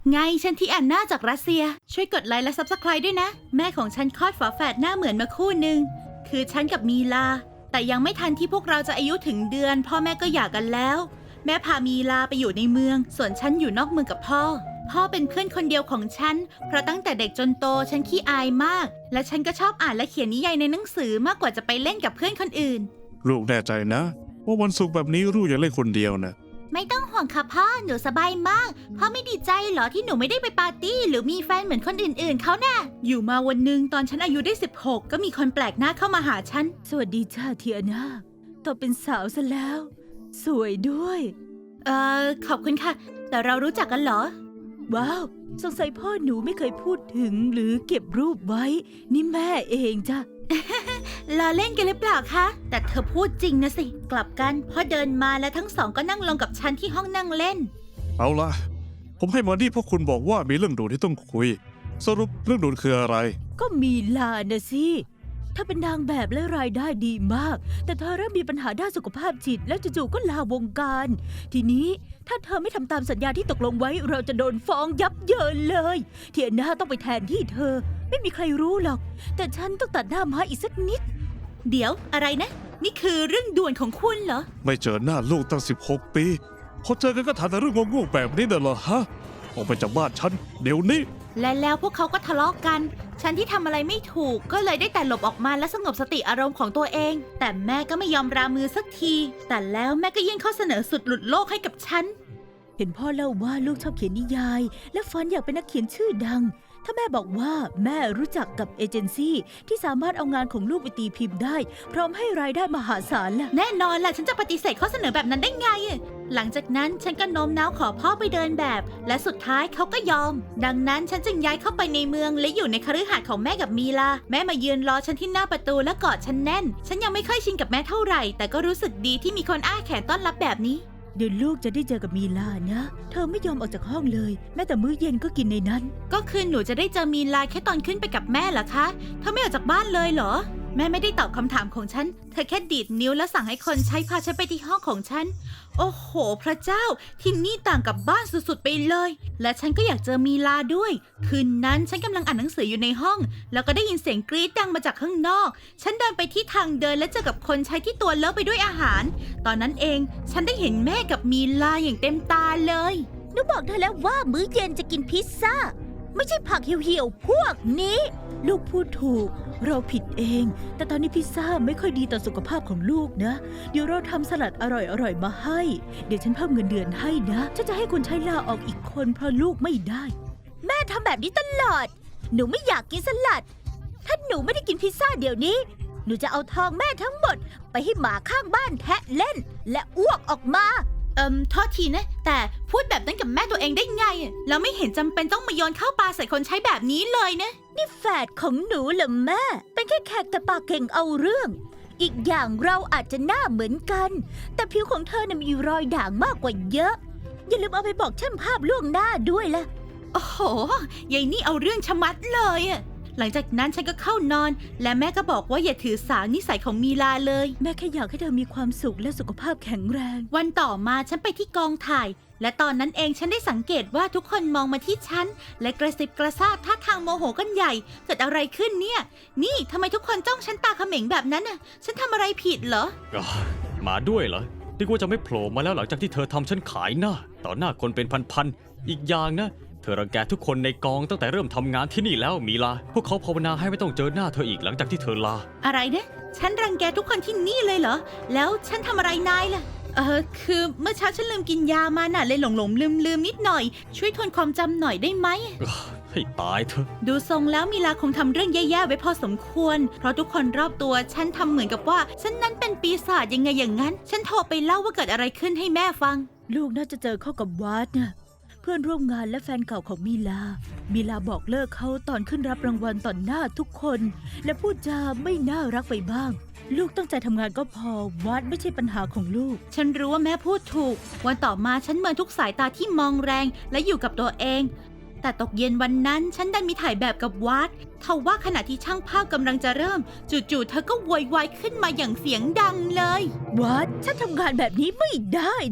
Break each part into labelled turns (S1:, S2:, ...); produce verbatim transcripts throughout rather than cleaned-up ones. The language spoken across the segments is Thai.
S1: ไงฉันที่แอนนาจากรัสเซียช่วยกดไลค์และซับสไครป์ด้วยนะแม่ของฉันคลอดฝาแฝดหน้าเหมือนมาคู่หนึ่งคือฉันกับมีลาแต่ยังไม่ทันที่พวกเราจะอายุถึงเดือนพ่อแม่ก็หย่ากันแล้วแม่พามีลาไปอยู่ในเมืองส่วนฉันอยู่นอกเมืองกับพ่อพ่อเป็นเพื่อนคนเดียวของฉันเพราะตั้งแต่เด็กจนโตฉันขี้อายมากและฉันก็ชอบอ่านและเขียนนิยายในหนังสือมากกว่าจะไปเล่นกับเพื่อนคนอื่น
S2: ลูกแน่ใจนะว่าวันศุกร์แบบนี้ลูกอยากเล่นคนเดียวนะ
S1: ไม่ต้องห่วงค่ะพ่อหนูสบายมากพ่อไม่ดีใจเหรอที่หนูไม่ได้ไปปาร์ตี้หรือมีแฟนเหมือนคนอื่นๆเขาน่ะอยู่มาวันหนึ่งตอนฉันอายุได้สิบหกก็มีคนแปลกหน้าเข้ามาหาฉัน
S3: สวัสดีจ้าเทียนาโตเป็นสาวซะแล้วสวยด้วย
S1: เอ่อขอบคุณค่ะแต่เรารู้จักกันเหรอ
S3: ว้าวสงสัยพ่อหนูไม่เคยพูดถึงหรือเก็บรูปไว้นี่แม่เองจ้ะ
S1: ล้อเล่นกันหรือเปล่าคะแต่เธอพูดจริงนะสิกลับกันพ่อเดินมาและทั้งสองก็นั่งลงกับฉันที่ห้องนั่งเล่น
S2: เอาล่ะผมให้มานี่เพราะคุณบอกว่ามีเรื่องด่วนที่ต้องคุยสรุปเรื่องด่วนคืออะไร
S3: ก็มีลานะสิถ้าเป็นนางแบบและรายได้ดีมากแต่เธอเริ่มมีปัญหาด้านสุขภาพจิตและจู่ๆก็ลาวงการทีนี้ถ้าเธอไม่ทำตามสัญญาที่ตกลงไว้เราจะโดนฟ้องยับเยินเลยเทียนาต้องไปแทนที่เธอไม่มีใครรู้หรอกแต่ฉันต้องตัดหน้าม้าอีกสักนิด
S1: เดี๋ยวอะไรนะนี่คือเรื่องด่วนของคุณเหรอ
S2: ไม่เจอหน้าลูกตั้งสิบหกปีพอเจอกันก็ถามแต่เรื่องงงๆแบบนี้น่ะเหรอฮะออกไปจากบ้านฉันเดี๋ยวนี้
S1: และแล้วพวกเขาก็ทะเลาะกันฉันที่ทำอะไรไม่ถูกก็เลยได้แต่หลบออกมาและสงบสติอารมณ์ของตัวเองแต่แม่ก็ไม่ยอมรามือสักทีแต่แล้วแม่ก็ยื่นข้อเสนอสุดหลุดโลกให้กับฉัน
S3: เห็นพ่อเล่าว่าลูกชอบเขียนนิยายและฝันอยากเป็นนักเขียนชื่อดังถ้าแม่บอกว่าแม่รู้จักกับเอเจนซี่ที่สามารถเอางานของลูกไปตีพิมพ์ได้พร้อมให้รายได้มหาศาลล่ะ
S1: แน่นอนล่ะฉันจะปฏิเสธข้อเสนอแบบนั้นได้ไงหลังจากนั้นฉันก็โน้มน้าวขอพ่อไปเดินแบบและสุดท้ายเขาก็ยอมดังนั้นฉันจึงย้ายเข้าไปในเมืองและอยู่ในคฤหาสน์ของแม่กับมีลาแม่มายืนรอฉันที่หน้าประตูและกอดฉันแน่นฉันยังไม่ค่อยชินกับแม่เท่าไหร่แต่ก็รู้สึกดีที่มีคนอ้าแขนต้อนรับแบบนี้
S3: เดี๋ยวลูกจะได้เจอกับมีลานะเธอไม่ยอมออกจากห้องเลยแม้แต่มื้อเย็นก็กินในนั้น
S1: ก็คือหนูจะได้เจอมีลาแค่ตอนขึ้นไปกับแม่เหรอคะเธอไม่ออกจากบ้านเลยเหรอแม่ไม่ได้ตอบคำถามของฉันเธอแค่ดีดนิ้วแล้วสั่งให้คนใช้พาฉันไปที่ห้องของฉันโอ้โหพระเจ้าที่นี่ต่างกับบ้านสุดๆไปเลยและฉันก็อยากเจอมีลาด้วยคืนนั้นฉันกำลังอ่านหนังสืออยู่ในห้องแล้วก็ได้ยินเสียงกรี๊ดดังมาจากข้างนอกฉันเดินไปที่ทางเดินและเจอกับคนใช้ที่ตัวเลอะไปด้วยอาหารตอนนั้นเองฉันได้เห็นแม่กับมีลาอย่างเต็มตาเลย
S3: หนูบอกเธอแล้วว่ามื้อเย็นจะกินพิซซ่าไม่ใช่ผักเหี่ยวๆพวกนี้ลูกพูดถูกเราผิดเองแต่ตอนนี้พิซซ่าไม่ค่อยดีต่อสุขภาพของลูกนะเดี๋ยวเราทำสลัดอร่อยๆมาให้เดี๋ยวฉันเพิ่มเงินเดือนให้นะฉันจะให้คนใช้ลาออกอีกคนเพราะลูกไม่ได้แม่ทำแบบนี้ตลอดหนูไม่อยากกินสลัดถ้าหนูไม่ได้กินพิซซ่าเดี๋ยวนี้หนูจะเอาทองแม่ทั้งหมดไปให้หมาข้างบ้านแทะเล่นและอ้วกออกมา
S1: เอิมโทษทีนะแต่พูดแบบนั้นกับแม่ตัวเองได้ไงเราไม่เห็นจำเป็นต้องมาโยนข้าวปลาใส่คนใช้แบบนี้เลยนะ
S3: นี่แฝดของหนูเหรอแม่เป็นแค่แขกแต่ปากเก่งเอาเรื่องอีกอย่างเราอาจจะหน้าเหมือนกันแต่ผิวของเธอน่ะมีรอยด่างมากกว่าเยอะอย่าลืมเอาไปบอกช่างภาพล่วงหน้าด้วยล่ะ
S1: โอ้โหยายนี่เอาเรื่องชะมัดเลยอะหลังจากนั้นฉันก็เข้านอนและแม่ก็บอกว่าอย่าถือสานิสัยของมีลาเลย
S3: แม่แค่อยากให้เธอมีความสุขและสุขภาพแข็งแรง
S1: วันต่อมาฉันไปที่กองถ่ายและตอนนั้นเองฉันได้สังเกตว่าทุกคนมองมาที่ฉันและกระซิบกระซาบท่าทางโมโหกันใหญ่เกิดอะไรขึ้นเนี่ยนี่ทำไมทุกคนจ้องฉันตาเขม็งแบบนั้นน่ะฉันทำอะไรผิดเหรอ
S4: มาด้วยเหรอนึกว่าจะไม่โผล่มาแล้วหลังจากที่เธอทำฉันขายหน้าต่อหน้าคนเป็นพันๆอีกอย่างนะเธอรังแกทุกคนในกองตั้งแต่เริ่มทำงานที่นี่แล้วมีลาพวกเขาภาวนาให้ไม่ต้องเจอหน้าเธออีกหลังจากที่เธอลา
S1: อะไรเนี่ยฉันรังแกทุกคนที่นี่เลยเหรอแล้วฉันทำอะไรนายล่ะเออคือเมื่อเช้าฉันลืมกินยามาน่ะเลยหลงหลงลืมลืมนิดหน่อยช่วยทวนความจำหน่อยได้ไหม
S4: ให้ตายเถอะ
S1: ดูทรงแล้วมีลาคงทำเรื่องแย่ๆไว้พอสมควรเพราะทุกคนรอบตัวฉันทำเหมือนกับว่าฉันนั้นเป็นปีศาจยังไงอย่างนั้นฉันโทรไปเล่าว่าเกิดอะไรขึ้นให้แม่ฟัง
S3: ลูกน่าจะเจอเข้ากับวาดนะเพื่อนร่วมงานและแฟนเก่าของมีลามีลาบอกเลิกเขาตอนขึ้นรับรางวัลต่อหน้าทุกคนและพูดจาไม่น่ารักไปบ้างลูกตั้งใจทำงานก็พอวาดไม่ใช่ปัญหาของลูก
S1: ฉันรู้ว่าแม่พูดถูกวันต่อมาฉันเมินทุกสายตาที่มองแรงและอยู่กับตัวเองแต่ตกเย็นวันนั้นฉันดันมีถ่ายแบบกับวาดทว่าขณะที่ช่างภาพกำลังจะเริ่มจู่ๆเธอก็โวยวายขึ้นมาอย่างเสียงดังเลยว
S3: าดฉันทำงานแบบนี้ไม่ได้นะ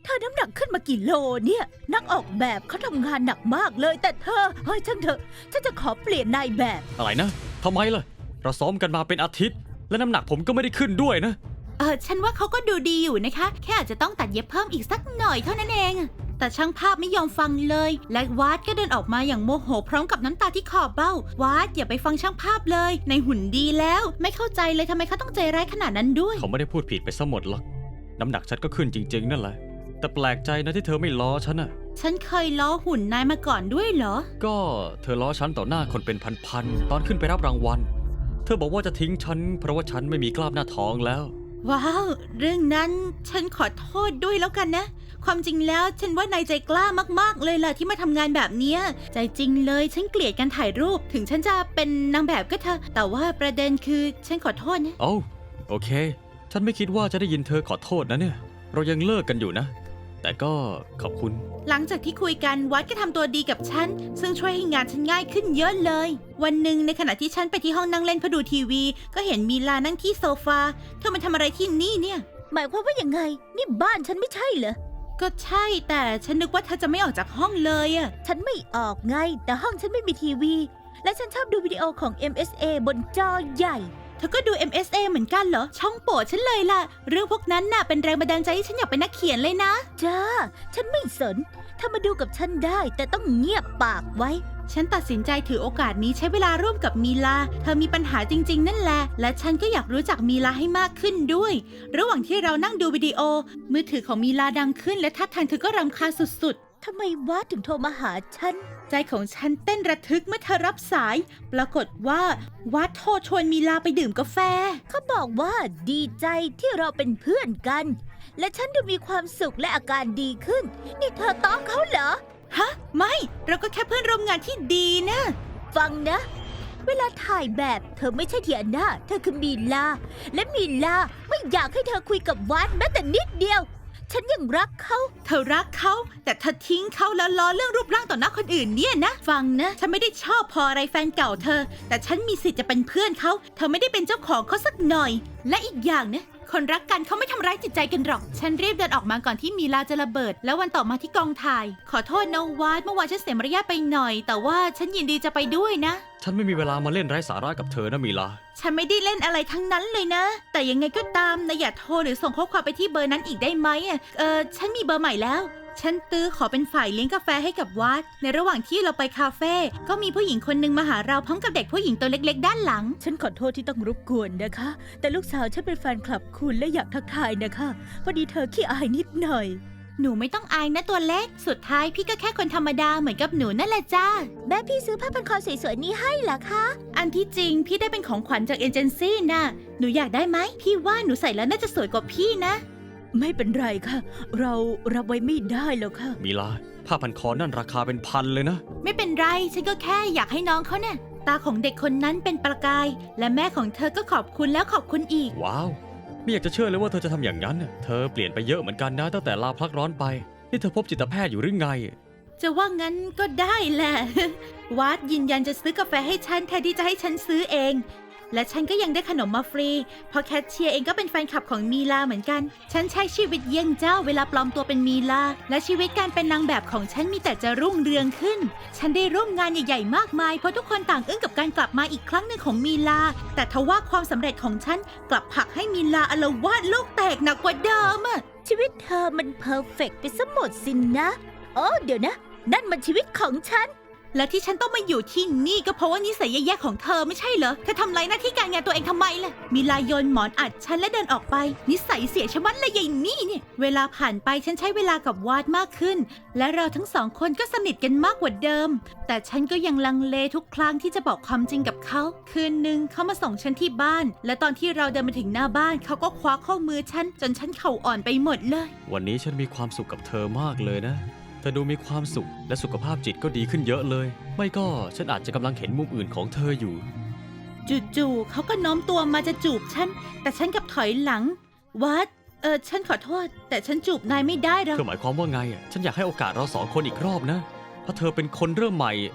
S3: เธอน้ำหนักขึ้นมากี่โลเนี่ย นักออกแบบเขาทำงานหนักมากเลย แต่เธอ เฮ้ยช่างเถอะ ฉันจะขอเปลี่ยนนายแบบ
S4: อะไรนะทำไมล่ะ เราซ้อมกันมาเป็นอาทิตย์ และน้ำหนักผมก็ไม่ได้ขึ้นด้วยนะ
S1: เออฉันว่าเขาก็ดูดีอยู่นะคะ แค่อาจจะต้องตัดเย็บเพิ่มอีกสักหน่อยเท่านั้นเอง แต่ช่างภาพไม่ยอมฟังเลย และวาดก็เดินออกมาอย่างโมโหพร้อมกับน้ำตาที่ขอบเบ้าวาดอย่าไปฟังช่างภาพเลย ในหุ่นดีแล้ว ไม่เข้าใจเลยทำไมเขาต้องใจร้ายขนาดนั้นด้วย
S4: เขาไม่ได้พูดผิดไปซะหมดหรอก น้ำหนักฉันก็ขึ้นจริง ๆ นั่นแหละ แต่แปลกใจนะที่เธอไม่ล้อฉันน่ะ
S1: ฉันเคยล้อหุ่นนายมาก่อนด้วยเหรอ
S4: ก็เธอล้อฉันต่อหน้าคนเป็นพันๆตอนขึ้นไปรับรางวัล เธอบอกว่าจะทิ้งฉันเพราะว่าฉันไม่มีกล้ามหน้าท้องแล้ว
S1: ว้าว เรื่องนั้นฉันขอโทษด้วยแล้วกันนะ ความจริงแล้วฉันว่านายใจกล้ามากๆเลยล่ะที่มาทำงานแบบเนี้ยใจจริงเลยฉันเกลียดการถ่ายรูปถึงฉันจะเป็นนางแบบก็เถอะแต่ว่าประเด็นคือฉันขอโทษนะ
S4: เอ้าโอเค ฉันไม่คิดว่าจะได้ยินเธอขอโทษนะเนี่ย เรายังเลิกกันอยู่นะ แต่ก็ขอบคุณ
S1: หลังจากที่คุยกันวัดก็ทำตัวดีกับฉันซึ่งช่วยให้งานฉันง่ายขึ้นเยอะเลย วันหนึ่งในขณะที่ฉันไปที่ห้องนั่งเล่นเพื่อดูทีวี ก็เห็นมีลานั่งที่โซฟาเธอมาทำอะไรที่นี่เนี่ย
S3: หมายความว่ายังไง นี่บ้านฉันไม่ใช่เหรอ
S1: ก็ใช่แต่ฉันนึกว่าเธอจะไม่ออกจากห้องเลยอะ
S3: ฉันไม่ออกไง แต่ห้องฉันไม่มีทีวี และฉันชอบดูวิดีโอของ เอ็ม เอส เอ บนจอใหญ่
S1: เธอก็ดู เอ็ม เอส เอ เหมือนกันเหรอ ช่องโปรดฉันเลยล่ะ เรื่องพวกนั้นน่ะเป็นแรงบันดาลใจให้ฉันอยากเป็นนักเขียนเลยนะ
S3: จ้า ฉันไม่สนถ้ามาดูกับฉันได้ แต่ต้องเงียบปากไว้
S1: ฉันตัดสินใจถือโอกาสนี้ใช้เวลาร่วมกับมีลา เธอมีปัญหาจริง ๆ นั่นแหละ และฉันก็อยากรู้จักมีลาให้มากขึ้นด้วย ระหว่างที่เรานั่งดูวิดีโอ มือถือของมีลาดังขึ้นและท่าทางเธอก็รำคาญสุด
S3: ทำไมวาดถึงโทรมาหาฉัน
S1: ๆ ใจของฉันเต้นระทึกเมื่อเธอรับสาย ปรากฏว่าวัดโทรชวนมีลาไปดื่มกาแฟ
S3: เขาบอกว่าดีใจที่เราเป็นเพื่อนกัน และฉันดูมีความสุขและอาการดีขึ้น นี่เธอต้อมเขาเหรอ
S1: ฮะ ไม่ เราก็แค่เพื่อนร่วมงานที่ดีนะ
S3: ฟังนะ เวลาถ่ายแบบเธอไม่ใช่เทียนาเธอคือมีลา และมีลาไม่อยากให้เธอคุยกับวัดแม้แต่นิดเดียว ฉันยังรักเขา
S1: เธอรักเขา แต่เธอทิ้งเขาแล้วล้อเรื่องรูปร่างต่อหน้าคนอื่นเนี่ยนะ ฟังนะ ฉันไม่ได้ชอบพออะไรแฟนเก่าเธอ แต่ฉันมีสิทธิ์จะเป็นเพื่อนเขา เธอไม่ได้เป็นเจ้าของเขาสักหน่อย และอีกอย่างนะ คนรักกันเขาไม่ทำร้ายจิตใจกันหรอก ฉันรีบเดินออกมาก่อนที่มีลาจะระเบิด แล้ววันต่อมาที่กองถ่าย ขอโทษนะวาดเมื่อวานฉันเสียมารยาทไปหน่อย แต่ว่าฉันยินดีจะไปด้วยนะ
S4: ฉันไม่มีเวลามาเล่นไร้สาระกับเธอนะมีลา
S1: ฉันไม่ได้เล่นอะไรทั้งนั้นเลยนะ แต่ยังไงก็ตามนะอย่าโทรหรือส่งข้อความไปที่เบอร์นั้นอีกได้ไหมอ่ะเออฉันมีเบอร์ใหม่แล้ว ฉันตื้อขอเป็นฝ่ายเลี้ยงกาแฟให้กับวัด ในระหว่างที่เราไปคาเฟ่ก็มีผู้หญิงคนหนึ่งมาหาเราพร้อมกับเด็กผู้หญิงตัวเล็กๆด้านหลัง
S3: ฉันขอโทษที่ต้องรบกวนนะคะ แต่ลูกสาวฉันเป็นแฟนคลับคุณและอยากทักทายนะคะพอดีเธอขี้อายนิดหน่อย
S1: หนูไม่ต้องอายนะตัวเล็ก สุดท้ายพี่ก็แค่คนธรรมดาเหมือนกับหนูนั่นแหละจ้า
S3: แม่พี่ซื้อผ้าพันคอสวยๆนี้ให้เหรอคะ
S1: อันที่จริงพี่ได้เป็นของขวัญจากเอเจนซี่น่ะ หนูอยากได้ไหม พี่ว่าหนูใส่แล้วน่าจะสวยกว่าพี่นะ
S3: ไม่เป็นไรค่ะ เรารับไว้ไม่ได้แล้วค่ะ
S4: มีลา ผ้าพันคอนั่นราคาเป็นพันเลยนะ
S1: ไม่เป็นไร ฉันก็แค่อยากให้น้องเขาเนี่ยตาของเด็กคนนั้นเป็นประกาย และแม่ของเธอก็ขอบคุณแล้วขอบคุณอีก
S4: ว้าว ไม่อยากจะเชื่อเลยว่าเธอจะทำอย่างนั้นน่ะเธอเปลี่ยนไปเยอะเหมือนกันนะตั้งแต่ลาพักร้อนไป นี่เธอพบจิตแพทย์อยู่หรือไง
S1: จะว่างั้นก็ได้แหละ วัดยืนยันจะซื้อกาแฟให้ฉันแทนที่จะให้ฉันซื้อเอง และฉันก็ยังได้ขนมมาฟรี เพราะแคชเชียร์เองก็เป็นแฟนคลับของมีลาเหมือนกัน ฉันใช้ชีวิตเยี่ยงเจ้าเวลาปลอมตัวเป็นมีลา และชีวิตการเป็นนางแบบของฉันมีแต่จะรุ่งเรืองขึ้น ฉันได้ร่วมงานใหญ่ๆมากมายเพราะทุกคนต่างอึ้งกับการกลับมาอีกครั้งหนึ่งของมีลา แต่ทว่าความสำเร็จของฉันกลับผลักให้มีลาอาละวาดโลกแตกหนักกว่าเดิมอะ
S3: ชีวิตเธอมันเพอร์เฟกต์ไปซะหมดสินนะโอ้เดี๋ยวนะ นั่นมันชีวิตของฉัน
S1: และที่ฉันต้องมาอยู่ที่นี่ก็เพราะว่านิสัยแย่ๆของเธอไม่ใช่เหรอ เธอทำไรหน้าที่การงานตัวเองทำไมล่ะ มีลายโยนหมอนอัดฉันและเดินออกไป นิสัยเสียชะมัดเลยยายนี่เนี่ย เวลาผ่านไปฉันใช้เวลากับวาดมากขึ้น และเราทั้งสองคนก็สนิทกันมากกว่าเดิม แต่ฉันก็ยังลังเลทุกครั้งที่จะบอกความจริงกับเขา คืนหนึ่งเขามาส่งฉันที่บ้าน และตอนที่เราเดินมาถึงหน้าบ้านเขาก็คว้าข้อมือฉันจนฉันเข่าอ่อนไปหมดเลย
S4: วันนี้ฉันมีความสุขกับเธอมากเลยนะ เธอดูมีความสุขและสุขภาพจิตก็ดีขึ้นเยอะเลย ไม่ก็ฉันอาจจะกำลังเห็นมุมอื่นของเธออยู่
S1: จู่ๆเขาก็โน้มตัวมาจะจูบฉัน แต่ฉันกลับถอยหลัง วัด เออฉันขอโทษ แต่ฉันจูบนายไม่ได้หรอก
S4: เธอหมายความว่าไงอ่ะฉันอยากให้โอกาสเราสองคนอีกรอบนะ ถ้าเธอเป็นคนเริ่มใหม่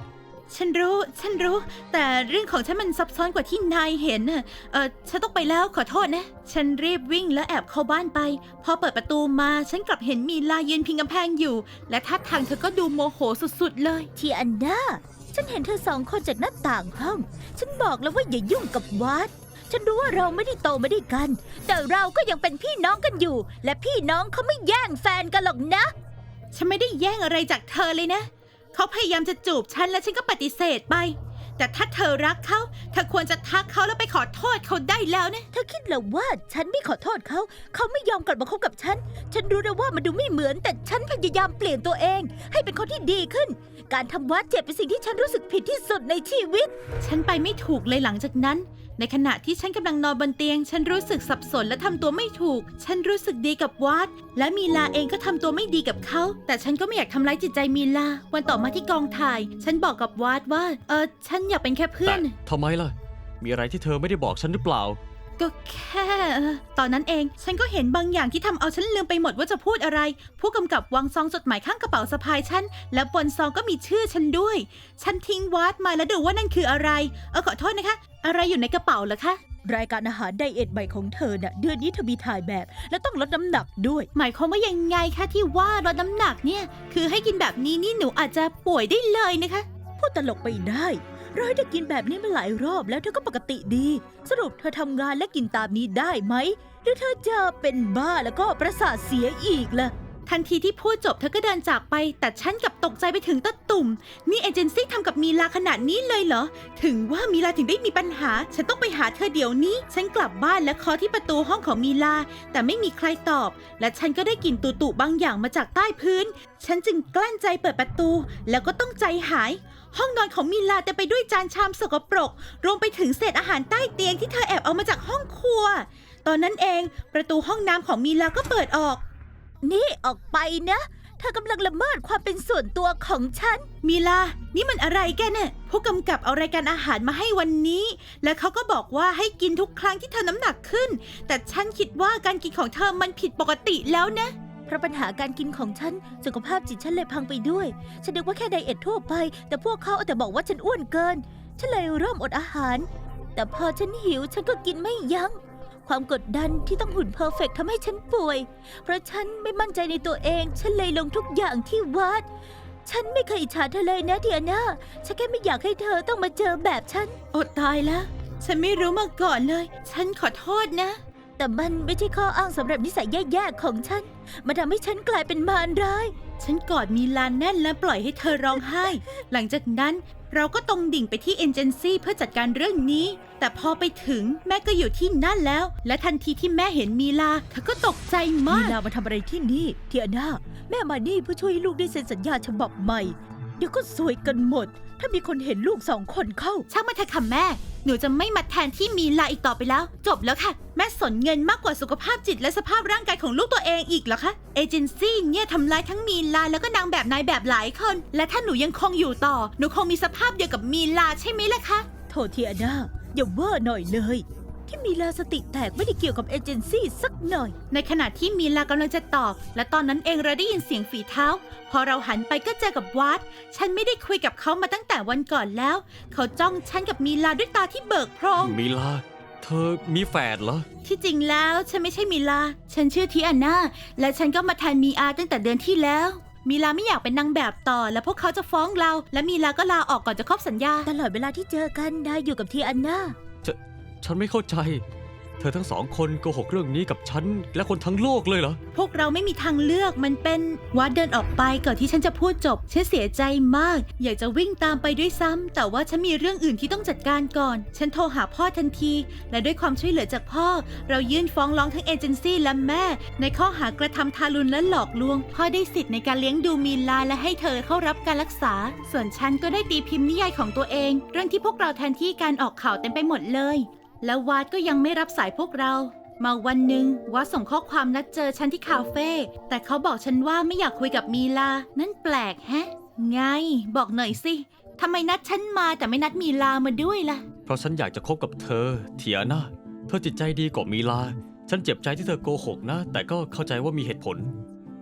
S1: ฉันรู้ ฉันรู้ แต่เรื่องของฉันมันซับซ้อนกว่าที่นายเห็นน่ะเออฉันต้องไปแล้วขอโทษนะ ฉันรีบวิ่งแล้วแอบเข้าบ้านไป พอเปิดประตูมาฉันกลับเห็นมีลายืนพิงกำแพงอยู่ และท่าทางเธอก็ดูโมโหสุดๆเลย
S3: ทีอันนาฉันเห็นเธอสองคนจากหน้าต่างห้อง ฉันบอกแล้วว่าอย่ายุ่งกับวัด ฉันรู้ว่าเราไม่ได้โตมาด้วยกัน แต่เราก็ยังเป็นพี่น้องกันอยู่ และพี่น้องเขาไม่แย่งแฟนกันหรอกนะ
S1: ฉันไม่ได้แย่งอะไรจากเธอเลยนะ เขาพยายามจะจูบฉันและฉันก็ปฏิเสธไป แต่ถ้าเธอรักเขา เธอควรจะทักเขาแล้วไปขอโทษเขาได้แล้วนะ
S3: เธอคิดเหรอว่าฉันไม่ขอโทษเขา เขาไม่ยอมกลับมาคบกับฉัน ฉันรู้นะว่ามันดูไม่เหมือน แต่ฉันพยายามเปลี่ยนตัวเอง ให้เป็นคนที่ดีขึ้น การทำวัดเจ็บเป็นสิ่งที่ฉันรู้สึกผิดที่สุดในชีวิต
S1: ฉันไปไม่ถูกเลยหลังจากนั้น ในขณะที่ฉันกำลังนอนบนเตียง ฉันรู้สึกสับสนและทำตัวไม่ถูก ฉันรู้สึกดีกับวัด และมีลาเองก็ทำตัวไม่ดีกับเขา แต่ฉันก็ไม่อยากทำร้ายจิตใจมีลา วันต่อมาที่กองถ่าย ฉันบอกกับวัดว่า เออฉันอยากเป็นแค่เพื่อ
S4: แต่
S1: น
S4: ทำไมล่ะ มีอะไรที่เธอไม่ได้บอกฉันหรือเปล่า
S1: ก็แค่เอ่อตอนนั้นเอง ฉันก็เห็นบางอย่างที่ทำเอาฉันลืมไปหมดว่าจะพูดอะไร ผู้กำกับวางซองจดหมายข้างกระเป๋าสะพายฉัน และบนซองก็มีชื่อฉันด้วย ฉันทิ้งวัดมาแล้วดูว่านั่นคืออะไร เออขอโทษนะคะ อะไรอยู่ในกระเป๋าเหรอคะ
S3: รายการอาหารไดเอทใหม่ของเธอน่ะ เดือนนี้เธอมีถ่ายแบบ และต้องลดน้ำหนักด้วย
S1: หมายความว่ายังไงคะที่ว่าลดน้ำหนักเนี่ย คือให้กินแบบนี้นี่หนูอาจจะป่วยได้เลยนะคะ
S3: พูดตลกไปได้เราให้เธอกินแบบนี้มาหลายรอบแล้วเธอก็ปกติดี สรุปเธอทำงานและกินตามนี้ได้ไหม หรือเธอจะเป็นบ้าแล้วก็ประสาทเสียอีกล่ะ
S1: ทันทีที่พูดจบเธอก็เดินจากไป แต่ฉันกลับตกใจไปถึงตะตุ่ม นี่เอเจนซี่ทำกับมีลาขนาดนี้เลยเหรอ ถึงว่ามีลาถึงได้มีปัญหา ฉันต้องไปหาเธอเดี๋ยวนี้ ฉันกลับบ้านและเคาะที่ประตูห้องของมีลา แต่ไม่มีใครตอบ และฉันก็ได้กลิ่นตุ่ๆบางอย่างมาจากใต้พื้น ฉันจึงกลั้นใจเปิดประตู แล้วก็ต้องใจหาย ห้องนอนของมีลาเต็มไปด้วยจานชามสกปรก รวมไปถึงเศษอาหารใต้เตียงที่เธอแอบเอามาจากห้องครัว ตอนนั้นเองประตูห้องน้ำของมีลาก็เปิดออก
S3: นี่ออกไปนะ เธอกำลังละเมิดความเป็นส่วนตัวของฉัน
S1: มีลา นี่มันอะไรแกเนี่ยผู้กำกับเอารายการอาหารมาให้วันนี้ และเขาก็บอกว่าให้กินทุกครั้งที่เธอน้ำหนักขึ้น แต่ฉันคิดว่าการกินของเธอมันผิดปกติแล้วนะ
S3: เพราะปัญหาการกินของฉัน สุขภาพจิตฉันเลยพังไปด้วย ฉันนึกว่าแค่ไดเอททั่วไป แต่พวกเขาเอาแต่บอกว่าฉันอ้วนเกิน ฉันเลยเริ่มอดอาหาร แต่พอฉันหิวฉันก็กินไม่ยัง้ง ความกดดันที่ต้องหุ่นเพอร์เฟกต์ทำให้ฉันป่วย เพราะฉันไม่มั่นใจในตัวเอง ฉันเลยลงทุกอย่างที่วัด ฉันไม่เคยอิจฉาเธอเลยนะเดียนาฉันแค่ไม่อยากให้เธอต้องมาเจอแบบฉัน
S1: อดตายแล้ว ฉันไม่รู้มาก่อนเลย ฉันขอโทษนะ
S3: แต่มันไม่ใช่ข้ออ้างสำหรับนิสัยแย่ๆของฉัน มันทำให้ฉันกลายเป็นมารร้าย
S1: ฉันกอดมีลาแน่นและปล่อยให้เธอร้องไห้ หลังจากนั้นเราก็ตรงดิ่งไปที่เอเจนซี่เพื่อจัดการเรื่องนี้ แต่พอไปถึงแม่ก็อยู่ที่นั่นแล้ว และทันทีที่แม่เห็นมีลาเธอก็ตกใจ
S3: มี
S1: มาก
S3: ลามาทำอะไรที่นี่เทียนาแม่มานี่เพื่อช่วยให้ลูกได้เซ็นสัญญาฉบับใหม่ เดี๋ยวก็ซวยกันหมด ถ้ามีคนเห็นลูกสองคนเข้า
S1: ช่างมาเถอะค่ะแม่ หนูจะไม่มาแทนที่มีลาอีกต่อไปแล้ว จบแล้วค่ะ แม่สนเงินมากกว่าสุขภาพจิตและสภาพร่างกายของลูกตัวเองอีกเหรอคะ เอเจนซี่เนี่ยทำร้ายทั้งมีลาแล้วก็นางแบบนายแบบหลายคน และถ้าหนูยังคงอยู่ต่อ หนูคงมีสภาพเดียวกับมีลาใช่ไหมล่ะคะ
S3: โทษเทียนาอย่าเว่าหน่อยเลย ที่มีลาสติแตกไม่ได้เกี่ยวกับเอเจนซี่สักหน่อย
S1: ในขณะที่มีลากำลังจะตอบ และตอนนั้นเองเราได้ยินเสียงฝีเท้า พอเราหันไปก็เจอกับวัด ฉันไม่ได้คุยกับเขามาตั้งแต่วันก่อนแล้ว เขาจ้องฉันกับมีลาด้วยตาที่เบิกโพรง
S4: มีลา เธอมีแฝดเหรอ
S1: ที่จริงแล้วฉันไม่ใช่มีลา ฉันชื่อทีอาน่า และฉันก็มาแทนมีอาตั้งแต่เดือนที่แล้ว มีลาไม่อยากเป็นนางแบบต่อ และพวกเขาจะฟ้องเรา และมีลาก็ลาออกก่อนจะครบสัญญา
S3: ตลอดเวลาที่เจอกันนายอยู่กับเทียนา
S4: ฉันไม่เข้าใจ เธอทั้งสองคนโกหกเรื่องนี้กับฉันและคนทั้งโลกเลยเหรอ
S1: พวกเราไม่มีทางเลือกมันเป็นวัดเดินออกไปก่อนที่ฉันจะพูดจบ ฉันเสียใจมาก อยากจะวิ่งตามไปด้วยซ้ำแต่ว่าฉันมีเรื่องอื่นที่ต้องจัดการก่อน ฉันโทรหาพ่อทันที และด้วยความช่วยเหลือจากพ่อ เรายื่นฟ้องร้องทั้งเอเจนซี่และแม่ ในข้อหากระทำทารุณและหลอกลวง พ่อได้สิทธิ์ในการเลี้ยงดูมีลาและให้เธอเข้ารับการรักษา ส่วนฉันก็ได้ตีพิมพ์นิยายของตัวเอง เรื่องที่พวกเราแทนที่การออกข่าวเต็มไปหมดเลยแล้ววาดก็ยังไม่รับสายพวกเรา มาวันหนึ่งวัดส่งข้อความนัดเจอฉันที่คาเฟ่แต่เขาบอกฉันว่าไม่อยากคุยกับมีลา นั่นแปลกแฮะ ไง บอกหน่อยสิทำไมนัดฉันมาแต่ไม่นัดมีลามาด้วยล่ะ
S4: เพราะฉันอยากจะคบกับเธอ เทียนาเธอจิตใจดีกว่ามีลา ฉันเจ็บใจที่เธอโกหกนะ แต่ก็เข้าใจว่ามีเหตุผล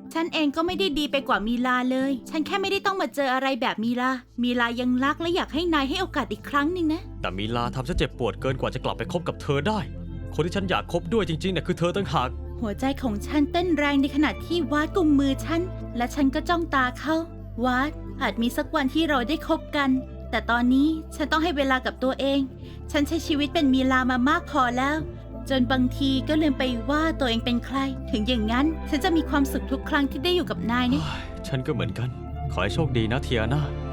S1: ฉันเองก็ไม่ได้ดีไปกว่ามีลาเลย ฉันแค่ไม่ได้ต้องมาเจออะไรแบบมีลา มีลายังรักและอยากให้นายให้โอกาสอีกครั้งหนึ่งนะ
S4: แต่มีลาทำฉันเจ็บปวดเกินกว่าจะกลับไปคบกับเธอได้ คนที่ฉันอยากคบด้วยจริงๆเนี่ยคือเธอต่างหาก
S1: หัวใจของฉันเต้นแรงในขณะที่วาดกุมมือฉัน และฉันก็จ้องตาเขาวาดอาจมีสักวันที่เราได้คบกัน แต่ตอนนี้ฉันต้องให้เวลากับตัวเอง ฉันใช้ชีวิตเป็นมีลามามากพอแล้ว จนบางทีก็ลืมไปว่าตัวเองเป็นใคร ถึงอย่างนั้นฉันจะมีความสุขทุกครั้งที่ได้อยู่กับนายนะ
S4: ฉันก็เหมือนกัน ขอให้โชคดีนะเทียนา